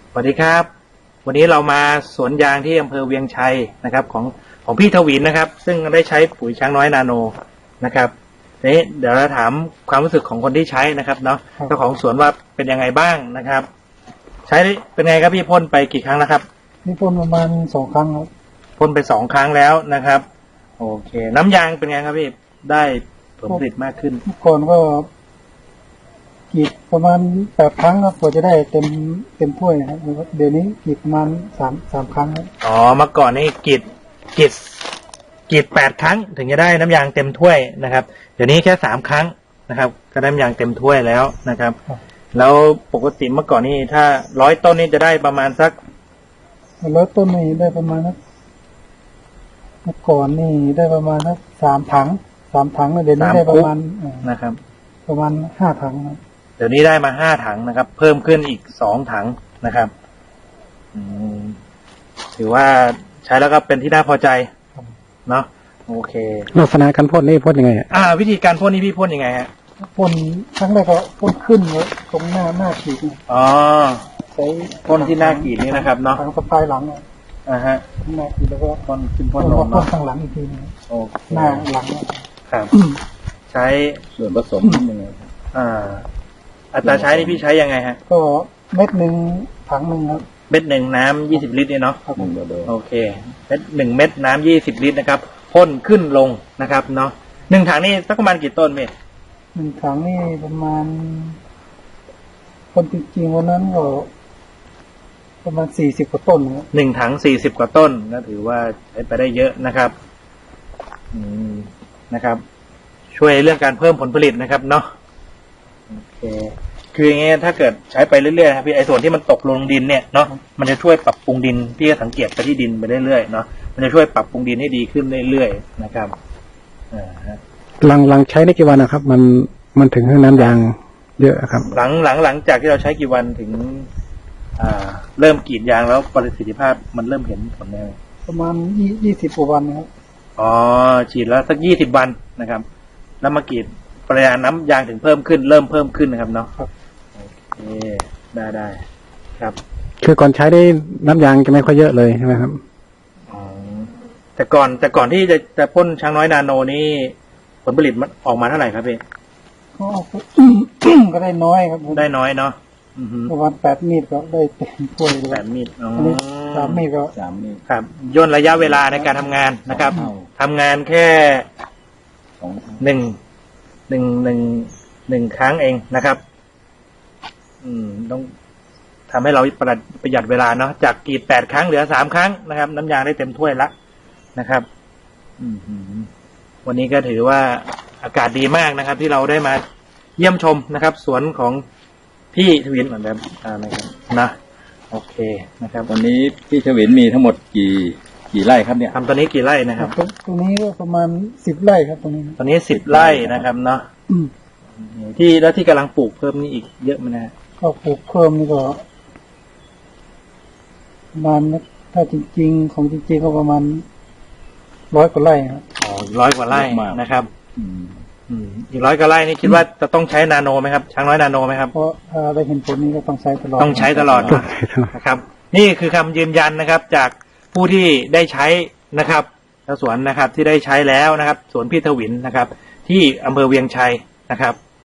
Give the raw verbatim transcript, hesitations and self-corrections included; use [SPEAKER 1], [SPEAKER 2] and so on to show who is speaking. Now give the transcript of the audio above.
[SPEAKER 1] สวัสดีครับวันนี้เรามาสวนยางที่อำเภอเวียงชัยนะครับของของพี่ทวินนะครับซึ่งได้ใช้ปุ๋ยช้างน้อยนาโนนะครับนี้เดี๋ยวเราถามความรู้สึกของคนที่ใช้นะครับเนาะเจ้าของสวนว่าเป็นยังไงบ้างนะครับใช้เป็นไงครับพี่พ่นไปกี่ครั้งแล้วครับ
[SPEAKER 2] นี่พ่นประมาณสองครั้งครับ
[SPEAKER 1] พ่นไปสองครั้งแล้วนะครับโอเคน้ำยางเป็นไงครับพี่ได้ผลผลิตมากขึ้น
[SPEAKER 2] ก่อนก็กรีดประมาณแปดครั้งครับกว่าจะได้เต็มเต็มถ้วยครับเดี๋ยวนี้กรีดประมาณสามสามครั้งครับ
[SPEAKER 1] อ๋อเมื่อก่อนนี่กรีดกรีดกรีดแปดครั้งถึงจะได้น้ำยางเต็มถ้วยนะครับเดี๋ยวนี้แค่สามครั้งนะครับก็ได้น้ำยางเต็มถ้วยแล้วนะครับแล้วปกติเมื่อก่อนนี่ถ้าร้อยต้นนี่จะได้ประมาณสัก
[SPEAKER 2] ร้อยต้นนี่ได้ประมาณนักเมื่อก่อนนี่ได้ประมาณนักสามถังสามถังเดี๋ยวนี้ได้ประมาณ
[SPEAKER 1] นะครับ
[SPEAKER 2] ประมาณห้าถังนะ
[SPEAKER 1] เดี๋ยวนี้ได้มาห้าถังนะครับเพิ่มขึ้นอีกสองถังนะครับอืมถือว่าใช้แล้วก็เป็นที่น่าพอใจเนาะโอเค
[SPEAKER 2] ลักษณะการพ่นนี่พ่นยังไง
[SPEAKER 1] อ่าวิธีการพ่นนี่พี่พ่นยังไงฮะ
[SPEAKER 2] พ่นครั้งแรกก็พ่นขึ้นเลยตรงหน้าหน้าขีด
[SPEAKER 1] อ๋อใช้พ่นที่หน้าขีดนี่นะครับเนาะ
[SPEAKER 2] ทางสะพายหลัง
[SPEAKER 1] อ่าฮะ
[SPEAKER 2] หน้าขีดแล้วก็
[SPEAKER 1] พ่นขึ้นพ่นลง
[SPEAKER 2] เนาะพ่นข้างหลังอีกทีนึง
[SPEAKER 1] โอเค
[SPEAKER 2] หน้าหลัง
[SPEAKER 1] ครับใช้
[SPEAKER 3] ส่วนผสมยังไง
[SPEAKER 1] อ่าอัตราใช้นี่พี่ใช้ยังไงฮะ
[SPEAKER 2] ก็เม็ดหนึ่งถังหนึ่งครับ
[SPEAKER 1] เม็ดหนึ่งน้ำยี่สิบลิตรเนี่ยเนาะโอเคเม็ดหนึ่งเม็ดน้ำยี่สิบลิตรนะครับพ่นขึ้นลงนะครับเนาะหนึ่งถังนี่สักประมาณกี่ต้นเม็ด
[SPEAKER 2] หนึ่งถังนี่ประมาณคนจริงๆวันนั้นก็ประมาณสี่สิบกว่าต้นครับ
[SPEAKER 1] หนึ่งถังสี่สิบกว่าต้นก็ถือว่าใช้ไปได้เยอะนะครับอืมนะครับช่วยเรื่องการเพิ่มผลผลิตนะครับเนาะโอเคคืออย่างเงี้ยถ้าเกิดใช้ไปเรื่อยๆครับพี่ไอ้ส่วนที่มันตกลงดินเนี่ยเนาะมันจะช่วยปรับปรุงดินพี่ก็สังเกตไปที่ดินไปเรื่อยๆเนาะมันจะช่วยปรับปรุงดินให้ดีขึ้นเรื่อยๆนะครับอ่าฮะ
[SPEAKER 2] หลังหลังใช้ได้กี่วันนะครับมันมันถึงให้น้ำยางเยอะครับ
[SPEAKER 1] หลังหลังหลังจากที่เราใช้กี่วันถึงอ่าเริ่มกรีดยางแล้วประสิทธิภาพมันเริ่มเห็นผลแล้ว
[SPEAKER 2] ประมาณยี่ยี่สิบกว่าวันครับ
[SPEAKER 1] อ๋อฉีดแล้วสักยี่สิบวันนะครับแล้วมากรีดปริมาณน้ำยางถึงเพิ่มขึ้นเริ่มเพิ่มขึ้นนะครับเนาะ
[SPEAKER 2] ครับ
[SPEAKER 1] โอเคได้ได้ครับ
[SPEAKER 2] คือก่อนใช้ได้น้ำยางจะไม่ค่อยเยอะเลยใช่ไหมครับ
[SPEAKER 1] อ๋อแต่ก่อนแต่ก่อนที่จะจะพ่นช้างน้อยนาโนนี่ผลผลิตมันออกมาเท่าไหร่ครับพี่
[SPEAKER 2] ก็ก็ได้น้อยครับ
[SPEAKER 1] ได้น้อยเนาะ
[SPEAKER 2] ประมาณแปดมีดก็ได้เต็มถ้วย
[SPEAKER 1] แปดมีดอ๋อ
[SPEAKER 2] สามมีดก็
[SPEAKER 3] สามมีด
[SPEAKER 1] ครับย่นระยะเวลาในการทำงานนะครับทำงานแค่หนึ่งหนึ่งหนึ่งหนึ่งครั้งเองนะครับอืมต้องทำให้เราประหยัดประหยัดเวลาเนาะจากกรีดแปดครั้งเหลือสามครั้งนะครับน้ำยางได้เต็มถ้วยละนะครับอืมวันนี้ก็ถือว่าอากาศดีมากนะครับที่เราได้มาเยี่ยมชมนะครับสวนของพี่ทวินเหมือนแบบนะครับนะโอเคนะครับ
[SPEAKER 3] ตอนนี้พี่ทวินมีทั้งหมดกี่กี่ไร่ครับเนี่ย
[SPEAKER 1] ทำตอนนี้กี่ไร่นะครับ
[SPEAKER 2] ตรงนี้ก็ประมาณสิบไร่ครับตรงนี้
[SPEAKER 1] ตอนนี้สิบไร่นะครับเนาะที่แล้วที่กำลังปลูกเพิ่มนี่อีกเยอะไหมนะ
[SPEAKER 2] ก็ปลูกเพิ่มนี่ก็ประมาณถ้าจริงๆของจริงๆก็ประมาณร้อยกว่าไร่ครับ
[SPEAKER 1] อ๋อร้อยกว่าไร่นะครับอืมอืมอีกร้อยกว่าไร่นี่คิดว่าจะต้องใช้นาโนไหมครับช้างน้อยนาโนไหมครับ
[SPEAKER 2] เพราะถ้าได้เห็นผลนี้ก็ต้องใช้ตลอด
[SPEAKER 1] ต้องใช้ตลอดนะครับนี่คือคำยืนยันนะครับจากผู้ที่ได้ใช้นะครับสวนนะครับที่ได้ใช้แล้วนะครับสวนพี่ทวินนะครับที่อำเภอเวียงชัยนะครับ